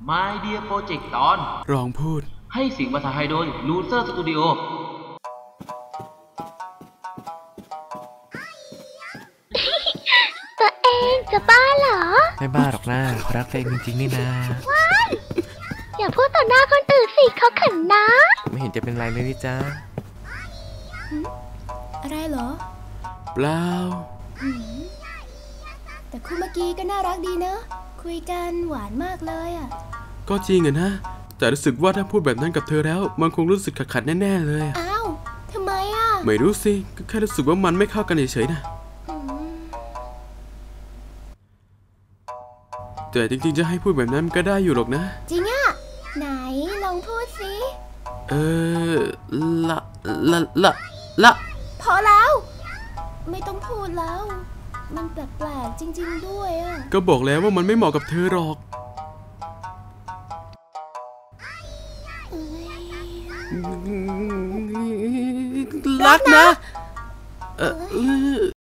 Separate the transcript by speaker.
Speaker 1: My Dear Project ตอน
Speaker 2: ลองพูด
Speaker 1: ให้เสียงภาษาไทยโดย Loser Studio
Speaker 3: ตัวเองจะบ้าเหรอ
Speaker 2: ไม่บ้าหรอกนะรักตัวเองจริงๆนี่นา
Speaker 3: ว้ายอย่าพูดต่อหน้าคนอื่นสิเขาเขินนะ
Speaker 2: ไม่เห็นจะเป็นไรเลยนี่จ้า
Speaker 4: อะไรเหรอ
Speaker 2: เปล่า
Speaker 4: แต่คู่เมื่อกี้ก็น่ารักดีเนอะคุยกันหวานมากเลยอ่ะ
Speaker 2: ก็จริงอะนะแต่รู้สึกว่าถ้าพูดแบบนั้นกับเธอแล้วมันคงรู้สึกขัดแน่ๆเลย
Speaker 4: อ้าวทำไมอ่ะ
Speaker 2: ไม่รู้สิก็แค่รู้สึกว่ามันไม่เข้ากันเฉยๆนะแต่จริงๆจะให้พูดแบบนั้นก็ได้อยู่หรอกนะ
Speaker 4: จริงอ่ะไหนลองพูดสิ
Speaker 2: ละละ
Speaker 4: พอแล้วไม่ต้องพูดแล้วมันแปลกๆจริงๆด้วยอ่ะ
Speaker 2: ก็บอกแล้วว่ามันไม่เหมาะกับเธอหรอกรักนะ